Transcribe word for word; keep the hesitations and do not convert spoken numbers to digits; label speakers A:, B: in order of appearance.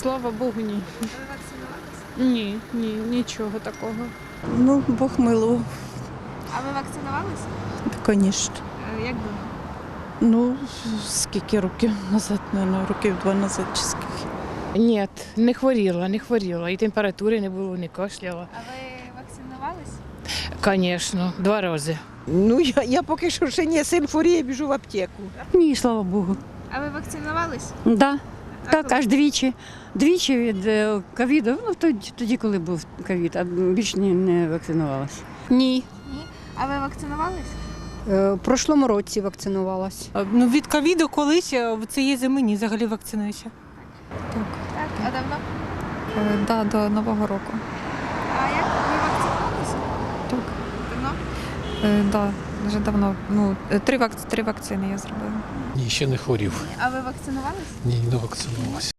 A: слава Богу, ні.
B: Ви вакцинувалися?
A: Ні, ні, нічого такого.
C: Ну, Бог милував,
B: А ви вакцинувалися?
C: звісно.
B: Е, Як давно?
C: Ну, скільки років назад, мабуть, років два назад чи скільки.
D: Ні, не хворіла, не хворіла. І температури не було, не кашляла.
B: А ви вакцинувалися?
D: Звісно, два рази.
E: Ну, я, я поки що ще ні, син хворіє, біжу в аптеку.
F: Ні, слава Богу.
B: А ви вакцинувались?
F: Да.
B: А
F: Так,
B: коли?
F: аж двічі. Двічі від е, ковіду, ну тоді, тоді, коли був ковід, а більш не, не вакцинувалася.
G: Ні.
B: Ні. А ви вакцинувались?
G: Е, В прошлому році вакцинувалась.
H: Ну, від ковіду колись, а в цієї зими ні, взагалі вакцинуюся.
B: Так. А давно?
I: Е, Да, до Нового року.
B: А як ви вакцинувалися?
I: Так.
B: Давно?
I: Е, Да, дуже давно. Ну, е, три, вак... три вакцини я зробила.
J: Ні, ще не хворів.
B: А ви вакцинувались?
J: Ні, не вакцинувався.